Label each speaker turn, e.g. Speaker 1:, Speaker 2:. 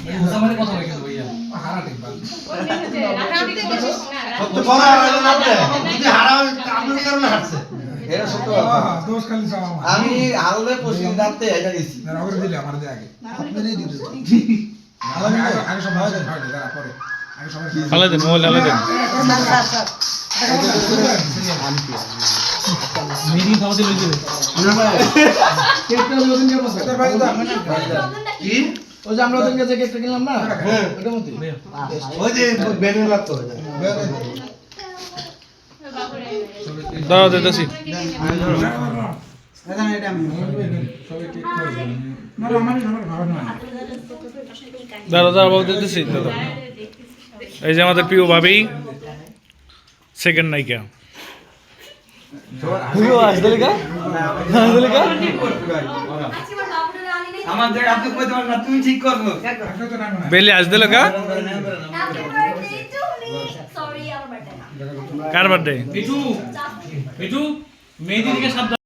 Speaker 1: মুসামানি কথা বলে কিন্তু ভাইয়া
Speaker 2: হারা ঠিক বাল
Speaker 3: সত্য বলা হলো না আপনি যদি হারাও আপনার কারণে হারছে এটা সত্য কথা
Speaker 2: দোষ খালি সব আমার
Speaker 3: আমি হারলে পশ্চিম দাঁতে এটা দিছি
Speaker 2: না রগরে দিলে আমার দে আগে আপনি নেই দিতে আগে আগে সব ভাই ভাই দাঁড়া পরে আগে সবাই
Speaker 4: হালে দেন মোবাইল হালে দেন
Speaker 1: মিটিং খাওয়াতে লই যাবে
Speaker 2: কেকটা ওদিন কে বসে ভাই দা
Speaker 3: কি
Speaker 2: ওই যে আমরা ওদিন কাছে কেকটা কিনলাম না ওটার মধ্যে
Speaker 3: ওই যে বেনের লাগতো
Speaker 4: দাঁড়াও দিতেছি দাঁড়াও দাঁড়াও বাবু দিতেছি দাদা এই যে আমাদের প্রিয় ভাবি সেকেন্ড নায়িকা
Speaker 3: আমাদের আপনি কইতে পারেন না তুমি ঠিক করবো
Speaker 4: বেলি আজ দিল কা কার বার্থডে
Speaker 1: মিঠু মিঠু মেহেদি থেকে সাবধান